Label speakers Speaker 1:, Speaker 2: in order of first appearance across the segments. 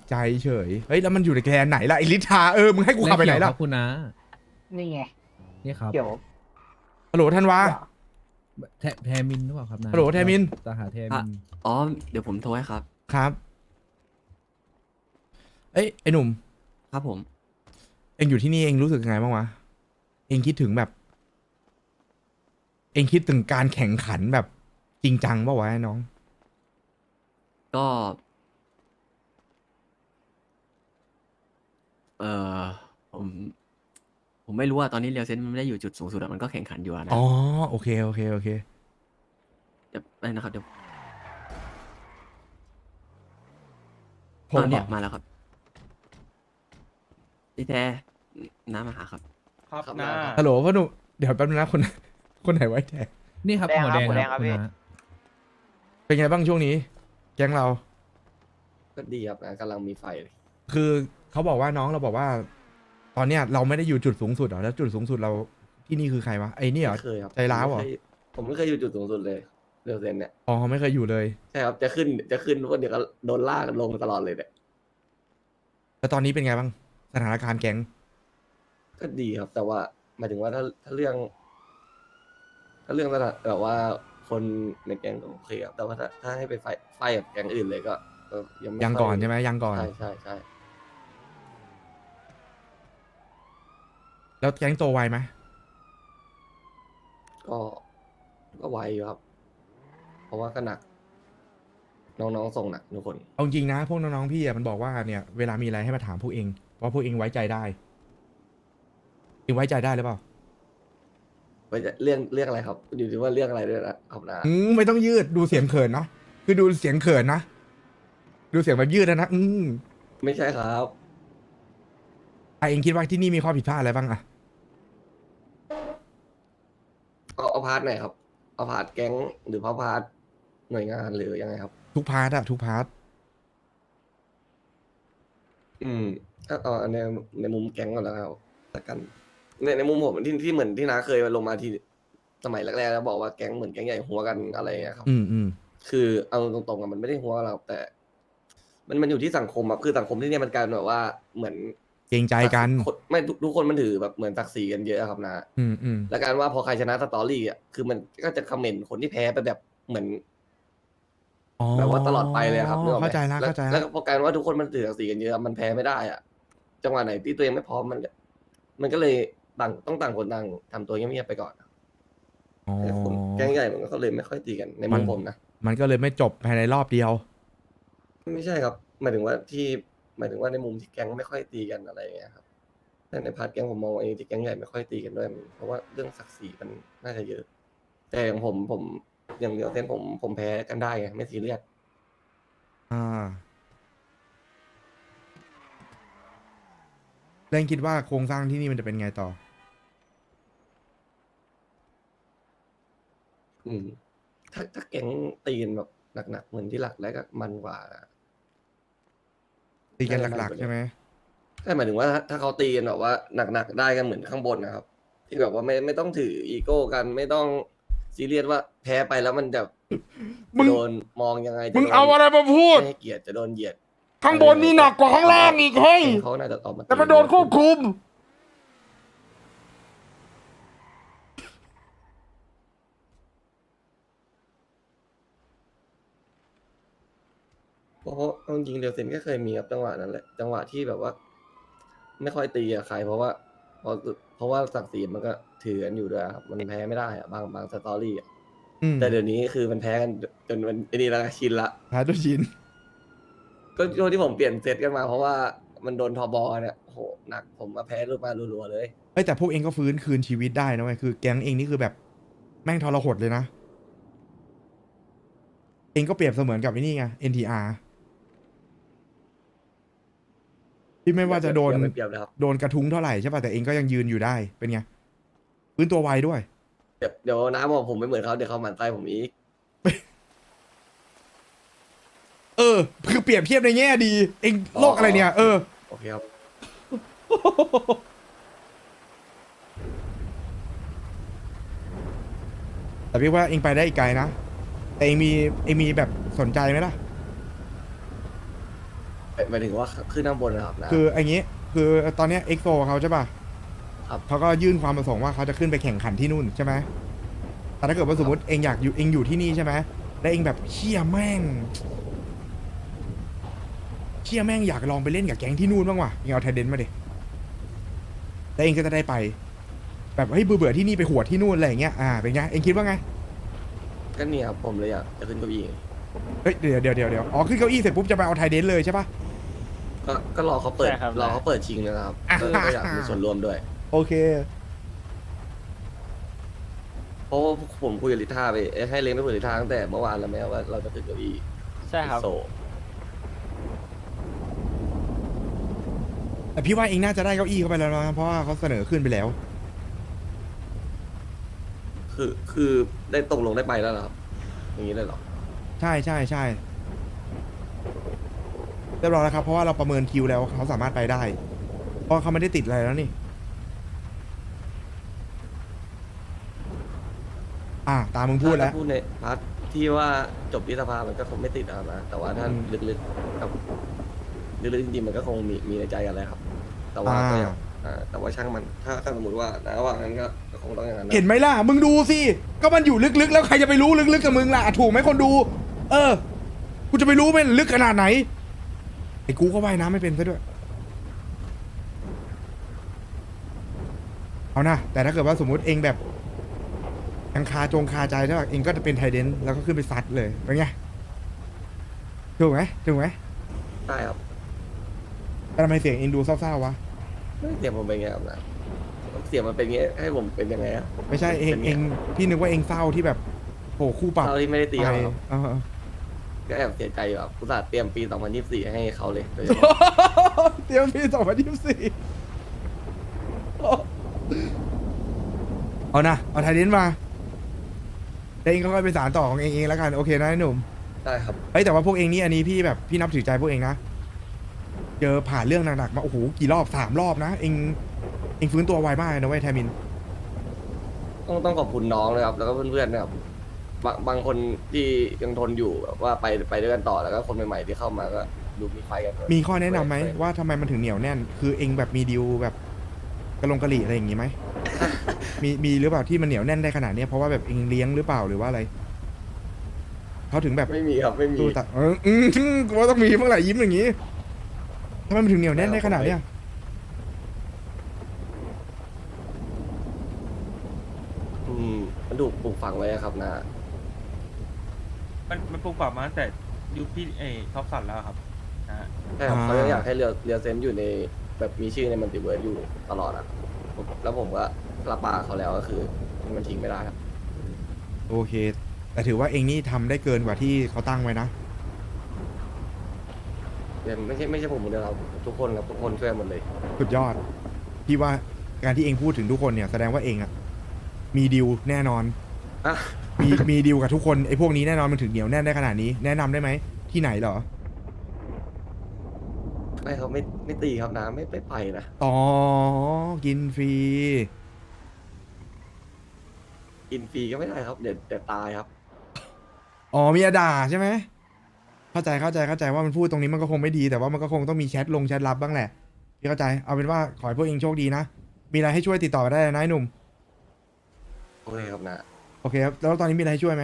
Speaker 1: ใจเฉยเฮ้ยแล้วมันอยู่ในแกนไหนล่ะไอลิทามึงให้กูขับไปไหน
Speaker 2: ม่เกี่ยว
Speaker 1: ล่ะ
Speaker 2: ครับคุณนะ
Speaker 3: นี่ไง
Speaker 2: นี่ครับ
Speaker 3: เดี๋ยว
Speaker 1: ฮัลโหลท่านวา
Speaker 3: เดี๋ยว
Speaker 2: แทมินหรือเปล่าครับนะ
Speaker 1: ฮัลโหลแทมิน
Speaker 2: สาขาแทมิน
Speaker 4: อ๋อ เดี๋ยวผมโทรให้ครับ
Speaker 1: ครับเอ้ยไอหนุ่ม
Speaker 4: ครับผม
Speaker 1: เองอยู่ที่นี่เองรู้สึกยังไงบ้างวะเองคิดถึงแบบ เองคิดถึงการแข่งขันแบบจริงจังป่าวะไอ้น้อง
Speaker 4: ก็ เออผม ผมไม่รู้ว่าตอนนี้เรียวเซนมันไม่ได้อยู่จุดสูงสุดอะมันก็แข่งขันอยู่อะนะ
Speaker 1: อ๋อโอเคโอเคโอเค
Speaker 4: เดี๋ยวได้นะครับ เดี๋ยว
Speaker 1: ผม
Speaker 4: เนี่ย
Speaker 1: เหรอ
Speaker 4: มาแล้วครับพี่แท้น้ามาหาครับ
Speaker 5: ครับ
Speaker 4: ครับ
Speaker 5: นะ
Speaker 1: ฮัลโหลพ่อหนุ่มเดี๋ยวแป๊บนึงนะคน คนไหนไว้แทน
Speaker 2: นี่ครับ
Speaker 3: แดง
Speaker 2: หัว
Speaker 3: ครั
Speaker 2: แด
Speaker 3: บ
Speaker 2: ง
Speaker 3: หัว
Speaker 2: ค
Speaker 3: แด
Speaker 2: รับ
Speaker 3: งครับ
Speaker 2: คุณ
Speaker 3: พี่
Speaker 2: นะ
Speaker 1: เป็นไงบ้างช่วงนี้ แก๊งเรา
Speaker 6: ก็ดีครับนะกำลังมีไฟเลย
Speaker 1: คือเขาบอกว่าน้องเราบอกว่า ตอนเนี้ยเราไม่ได้อยู่จุดสูงสุดเหรอแล้วจุดสูงสุดเราที่นี่คือใครวะไอ้นี่เหรอ
Speaker 6: ไม่เคยครับ
Speaker 1: ใจร้าวเหรอ
Speaker 6: ผมไม่เคยอยู่จุดสูงสุดเลยเรือเซนเนี่ย
Speaker 1: อ๋อไม่เคยอยู่เลย
Speaker 6: ใช่ครับจะขึ้นว่าเดี๋ยวก็โดนลากลงตลอดเลยเนี่ย
Speaker 1: แล้วตอนนี้เป็นไงบ้างสถานการณ์แก๊ง
Speaker 6: ก็ดีครับ แต่ว่าหมายถึงว่าถ้าเรื่องสถานแบบว่าคนในแก๊งก็โอเคครับแต่ว่าถ้าให้ไปไฟกับแก๊งอื่นเลยก็ยังไม่
Speaker 1: ยัง
Speaker 6: ค่
Speaker 1: ก่อนใช่ไหมยังก่อน
Speaker 6: ใช่ใช่ใช่
Speaker 1: แล้วแก๊งโตไวไหม
Speaker 6: ก็ไวอยู่ครับ เพราะว่าก็หนัก น้องๆส่งหนักทุกคน
Speaker 1: เอาจริงนะพวกน้องๆพี่อะมันบอกว่าเนี่ยเวลามีอะไรให้มาถามพวกเองเพราะพวกเองไว้ใจได้เองไว้ใจได้หรือเปล่า
Speaker 6: ไว้จะเรื่องอะไรครับอยู่ที่ว่าเรื่องอะไรด้วยนะครับนะ
Speaker 1: ไม่ต้องยืดดูเสียงเขินเนาะคือดูเสียงเขินนะดูเสียงแบบยืดนะ
Speaker 6: ไม่ใช่ครับ
Speaker 1: เองคิดว่าที่นี่มีข้อผิดพลาดอะไรบ้างอะ
Speaker 6: เอาพาร์ทไหนครับ เอาพาร์ทแก๊งหรือพาร์ทหน่วยงานหรือยังไงครับ
Speaker 1: ทุกพาร์ทอะทุกพาร์ท
Speaker 6: ถ้าเอาในมุมแก๊งก่อนแล้วครับละกันในมุมผมที่เหมือนที่น้าเคยลงมาที่สมัยแรกๆแล้วบอกว่าแก๊งเหมือนแก๊งใหญ่หัวกันอะไรอย่างเงี้ยครับ คือเอาตรงๆอะมันไม่ได้หัวเราแต่ มันอยู่ที่สังคมอะคือสังคมที่เนี่ยมันกลายเป็นแบบว่าเหมือน
Speaker 1: เกรงใจกัน
Speaker 6: ไม่ทุกคนมันถือแบบเหมือนศักดิ์ศรีกันเยอะอะครับนะ แล้วการว่าพอใครชนะสตอรี่อ่ะคือมันก็จะคอมเมนต์คนที่แพ้ไปแบบเหมือน แบบว่าตลอดไปเลยครับนึกออกไหม
Speaker 1: เข้าใจแล้วเข้าใจ
Speaker 6: แล้
Speaker 1: แล้ว ว
Speaker 6: พอการว่าทุกคนมันถือศักดิ์ศรีกันเยอะมันแพ้ไม่ได้อ่ะจังหวะไหนที่ตัวเองไม่พร้อมมันก็เลยต้องต่างคนต่างทำตัวเงียบๆไปก่อน
Speaker 1: อ๋อ
Speaker 6: แต่คนแก๊งใหญ่มันก็เลยไม่ค่อยตีกันในมุมผมนะ
Speaker 1: มันก็เลยไม่จบภายในรอบเดียว
Speaker 6: ไม่ใช่ครับหมายถึงว่าในมุมที่แก๊งไม่ค่อยตีกันอะไรอย่างเงี้ยครับแต่ในพาร์ทแก๊งผมมองว่าที่แก๊งใหญ่ไม่ค่อยตีกันด้วยเพราะว่าเรื่องศักดิ์ศรีมันน่าจะเยอะ แต่อย่างผมอย่างเดียวเส้นผมแพ้กันได้ไงไม่ซีเรียส
Speaker 1: แรงคิดว่าโครงสร้างที่นี่มันจะเป็นไงต่อ
Speaker 6: ถ้าแก๊งตีกันแบบหนักๆเหมือนที่หลักแล้วก็มันกว่า
Speaker 1: ตีกันหลักๆใช่ไหม
Speaker 6: ใช่หมายถึงว่าถ้าเขาตีกันแบบว่าหนักๆได้กันเหมือนข้างบนนะครับ ที่แบบว่าไม่ต้องถืออีโก้กันไม่ต้องซีเรียสว่าแพ้ไปแล้วมันจะ
Speaker 1: มึง
Speaker 6: โดนมองยังไงจะ
Speaker 1: มึง
Speaker 6: โดน
Speaker 1: เอาอะไรมาพูด
Speaker 6: ไม่ให้เกียรติจะโดนเหยียด
Speaker 1: ข้างบนนี่หนักกว่าข้างล่างอีกเฮ้ย
Speaker 6: เขาน่าจะตอบมา
Speaker 1: แต่มันโดนควบคุม
Speaker 6: เพราะเอาจริงๆเดียวเซนก็เคยมีครับจังหวะนั้นแหละจังหวะที่แบบว่า ไม่ค่อยตีกับใครเพราะว่าศักดิ์ศรีมันก็ถือกันอยู่ด้วยครับมันแพ้ไม่ได้อะบางสตอรี่อะแต่เดี๋ยวนี้คือมันแพ้กันจนมันไอ้นี่แล้วชินละ
Speaker 1: หาตัวชิน
Speaker 6: ก็ช่วงที่ผมเปลี่ยนเซตกันมาเพราะว่ามันโดนทอบอเนี่ยโอ้โหหนักผมมาแพ้รูปมารัวๆเลย
Speaker 1: เอ้ยแต่พวกเองก็ฟื้นคืนชีวิตได้นะเว้ยคือแก๊งเองนี่คือแบบแม่งทรหดเลยนะ เองก็เปรียบเสมือนกับไอ้นี่ไง NTR ที่ไม่ว่าจะโดน
Speaker 6: อย่าไปเปรียบนะครับ
Speaker 1: โดนกระทุ้งเท่าไหร่ใช่ป่ะแต่เองก็ยังยืนอยู่ได้เป็นไงฟื้นตัวไวด้วย
Speaker 6: เดี๋ยวน้ำบอกผมไม่เหมือนเขาเดี๋ยวเขาหมั่นไส้ผมอีก
Speaker 1: คือเปรียบเทียบในแง่ดี เองโลกอะไรเนี่ย
Speaker 6: โอเคครับ
Speaker 1: แต่พี่ว่าเองไปได้อีกไกลนะแต่เองมีแบบสนใจไหมล่ะ
Speaker 6: ไปหมายถึงว่าขึ้นข้างบนนะครับนะ
Speaker 1: คือไอ้งี้ คือตอนเนี้ยเอ็กโซเขาใช่ป่ะ
Speaker 6: ครับ
Speaker 1: เขาก็ยื่นความประสงค์ว่าเขาจะขึ้นไปแข่งขันที่นู่นใช่ไหมแต่ถ้าเกิดว่าสมมติเองอยากอยู่เองอยู่ที่นี่ใช่ไหมแล้วเองแบบเชี่ยแม่งอยากลองไปเล่นกับแก๊งที่นู่นบ้างว่ะเองเอาไทเดนมาดิแล้วเองก็จะได้ไป แบบเฮ้ยเบื่อที่นี่ไปหัวดที่นู่นอะไรอย่างเงี้ยเป็นไงเองคิดว่าไง
Speaker 6: ก็เนี่ยครับผมเลยอยากจะขึ้นเก้าอี้
Speaker 1: เฮ้ยเดี๋ยวอ๋อขึ้นเก้าอี้เสร็จปุ๊บจะไปเอาไทเดนเลยใช่ป่ะ
Speaker 6: ก็รอเขาเปิด
Speaker 3: ใช่ครับ
Speaker 6: รอเขาเปิดชิงนะครับก็อยากมีส่วนร่วมด้วย
Speaker 1: โอเค
Speaker 6: เพราะว่าผมคุยกับลิท่าไปให้เล้งไปคุยกับลิท่าตั้งแต่เมื่อวานแล้วแม้ว่าเราจะขึ้นเก้าอี้
Speaker 3: ใช่ครับ
Speaker 6: โซ
Speaker 1: แต่พี่ว่าเองน่าจะได้เก้าอี้เข้าไปแล้วนะเพราะว่าเขาเสนอขึ้นไปแล้ว
Speaker 6: คือได้ตกลงได้ไปแล้วเหรอครับอย่างนี้เลยเหรอ
Speaker 1: ใช่เรียบร้อยแล้วครับเพราะว่าเราประเมินคิวแล้วเขาสามารถไปได้ เพราะเขาไม่ได้ติดอะไรแล้วนี่ตามมึงพูดแล้ว
Speaker 6: ถ้าพูดในพาร์ทที่ว่าจบที่สภามันก็คงไม่ติดนะครับนะแต่ว่าถ้าลึกๆครับลึกๆจริงๆมันก็คงมีในใจกันแล้วครับ แต่ว่าก็ยังแต่ว่าช่างมันถ้าสมมติว่านะว่างั้นก็คงต้องอย่างนั้นนะ
Speaker 1: เห็นไหมล่ะมึงดูสิก็มันอยู่ลึกๆแล้วใครจะไปรู้ลึกๆกับมึงล่ะถูกไหมคนดู กูจะไปรู้ไหมลึกขนาดไหนไอ้กูก็ว่ายน้ำไม่เป็นซะด้วยเอานะแต่ถ้าเกิดว่าสมมุติเองแบบยังคาใจแล้วเองก็จะเป็นไทเดนแล้วก็ขึ้นไปซัดเลยเป็นไงถูกไหม
Speaker 6: ได้ครับ
Speaker 1: แต่ทำไมเสียงเองดูเศร้าๆวะ
Speaker 6: เสียงผมเป็นไงครับนะเสียงมันเป็นไงให้ผมเป็นยังไงอะ
Speaker 1: ไม่ใช่เอง
Speaker 6: ป็นไ
Speaker 1: เองพี่นึกว่าเองเศร้าที่แบบโหคู่ปรับ
Speaker 6: เท่าที่ไม่ได้ตี
Speaker 1: ไป
Speaker 6: เขาครับ
Speaker 1: เออ
Speaker 6: ก็แอบเสียใจอยู่ครับอุตส่าห์เตรียมปี 2024 ให้เขาเลยโดยเฉพาะ
Speaker 1: เตรียมปี2024เอานะเอาไทเดนมาเดี๋ยวเองก็ค่อยไปสารต่อของเองแล้วกันโอเคนะไอ้หนุ่ม
Speaker 6: ได้ครับ
Speaker 1: เฮ้ยแต่ว่าพวกเองนี่อันนี้พี่นับถือใจพวกเองนะเจอผ่านเรื่องหนักๆมาโอ้โหกี่รอบ3 รอบนะเองฟื้นตัวไวมากเลยนะเว้ยแทมิน
Speaker 6: ต้องขอบคุณน้องเลยครับแล้วก็เพื่อนๆนะครับบางคนที่ยังทนอยู่แบบว่าไปด้วยกันต่อแล้วก็คนใหม่ๆที่เข้ามาก็ดูมีไฟกัน
Speaker 1: มีข้อแนะนำไหมว่าทำไมมันถึงเหนียวแน่น คือเองแบบมีดีลแบบกระลงกะหรี่อะไรอย่างงี้ไหม มีหรือเปล่าที่มันเหนียวแน่นได้ขนาดเนี้ยเพราะว่าแบบเองเลี้ยงหรือเปล่าหรือว่าอะไรเขาถึงแบบ
Speaker 6: ไม่มีครับไม่มี
Speaker 1: ตู้ตัดกูว่าต้องมีเมื่อไหร่ยิ้มอย่างงี้ทำไมมันถึงเหนียวแน่นได้ขนาดเนี้ย
Speaker 6: มันถูกปลูกฝังไว้อะครับนะ
Speaker 3: มันปลูกฝังมาตั้งแต่ยุคพี่ท็อปสันแล้วครับนะฮะ
Speaker 6: ใช่ครับเขายังอยากให้เรือเซนต์อยู่ในแบบมีชื่อในมัลติเวิร์สอยู่ตลอดอ่ะแล้วผมก็รับปากเขาแล้วก็คือมันทิ้งไม่ได้ครับ
Speaker 1: โอเค แต่ถือว่าเองนี่ทำได้เกินกว่าที่เขาตั้งไว้นะ
Speaker 6: แต่ไม่ใช่ผมคนเดียวครับทุกคนครับทุกคนช่วยหมดเลย
Speaker 1: สุดยอดพี่ว่าการที่เองพูดถึงทุกคนเนี่ยแสดงว่าเองอะมีดีลแน่นอน
Speaker 6: อ่ะ
Speaker 1: มีดีลกับทุกคนไอ้พวกนี้แน่นอนมันถึงเหนียวแน่นได้ขนาดนี้แนะนำได้ไหมที่ไหนเหรอ
Speaker 6: ไม่ครับไม่ตีครับนะไม่ไปนะ
Speaker 1: อ๋อกินฟรี
Speaker 6: กินฟรีก็ไม่ได้ครับเดี๋ยวตายครับ
Speaker 1: อ๋อมีด่าใช่ไหมเข้าใจว่ามันพูดตรงนี้มันก็คงไม่ดีแต่ว่ามันก็คงต้องมีแชทลับบ้างแหละพี่เข้าใจเอาเป็นว่าขอให้พวกเองโชคดีนะมีอะไรให้ช่วยติดต่อมาได้เลยนะไอ้หนุ่ม
Speaker 6: โอเคครับนะ
Speaker 1: โอเคครับแล้วตอนนี้มีอะไรให้ช่วยไหม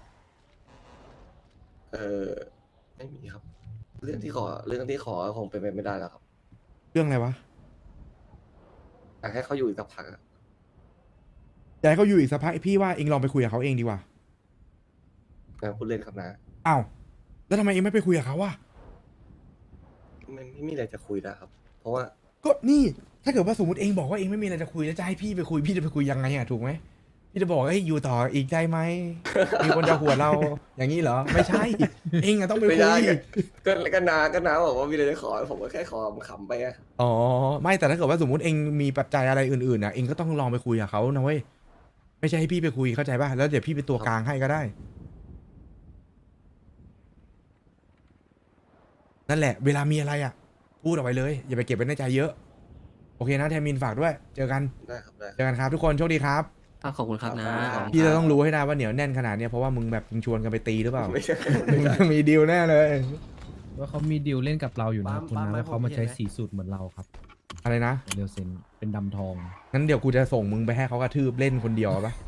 Speaker 6: ไม่มีครับ เรื่องที่ขอคงเป็นไปไม่ได้แล้วครับ
Speaker 1: เรื่องอะไรวะ
Speaker 6: อยากให้เขาอยู่อีกสักพักอะ
Speaker 1: อยากให้เขาอยู่อีกสักพักพี่ว่าเองลองไปคุยกับเขาเองดีกว่า
Speaker 6: นะพูดเล่นครับนะ
Speaker 1: อ้าวแล้วทำไมเองไม่ไปคุยกับเขาวะ
Speaker 6: ไม่มีอะไรจะคุยแล้วครับ เพราะว่า
Speaker 1: ก็นี่ถ้าเกิดว่าสมมติเองบอกว่าเองไม่มีอะไรจะคุยแล้วจะให้พี่ไปคุยพี่จะไปคุยยังไงอะถูกไหมพี่จะบอกเอ้ยอยู่ต่ออีกได้ไหม มีคนจะหัวเราอย่างนี้เหรอไม่ใช่ เองอะต้องไป
Speaker 6: ไม่
Speaker 1: คุ
Speaker 6: ได้
Speaker 1: ย
Speaker 6: ก็นาบอกว่ามีอะไรจะขอผมก็แค่ขอขำๆไปอะ
Speaker 1: อ๋อไม่แต่ถ้าเกิดว่าสมมติเองมีปัจจัยอะไรอื่นๆอะเองก็ต้องลองไปคุยกับเขานะเว้ยไม่ใช่ให้พี่ไปคุยเข้าใจป่ะแล้วเดี๋ยวพี่เป็นตัวกลางให้ก็ได้นั่นแหละเวลามีอะไรอะพูดออกไปเลยอย่าไปเก็บไว้ในใจเยอะโอเคนะแทมินฝากด้วยเจอกัน
Speaker 6: ได้ครับได้
Speaker 1: เจอกันครับทุกคนโชคดีครับ
Speaker 4: ขอบคุณครับนะขอบคุณ
Speaker 1: พี่
Speaker 4: ค
Speaker 1: จะ
Speaker 4: รับ
Speaker 1: ต้องรู้ให้ได้ว่าเหนียวแน่นขนาดเนี้ยเพราะว่ามึงแบบมึงชวนกันไปตีหรือเปล่า
Speaker 6: ไม่ใช่
Speaker 1: มึงมีดีลแน่เลย
Speaker 2: ว่าเขามีดีลเล่นกับเราอยู่นะ
Speaker 5: ปั๊ม
Speaker 2: คุณ
Speaker 5: ปั๊ม
Speaker 2: นะ
Speaker 5: ไหม
Speaker 2: ว่าเขามา
Speaker 5: ผมเห็น
Speaker 2: ใช้
Speaker 5: ไหม
Speaker 2: สีสูตรเหมือนเราครับ
Speaker 1: อะไรนะ
Speaker 2: เรียวเซนเป็นดำทอง
Speaker 1: งั้นเดี๋ยวกูจะส่งมึงไปให้เขากระทืบเล่นคนเดียวปะ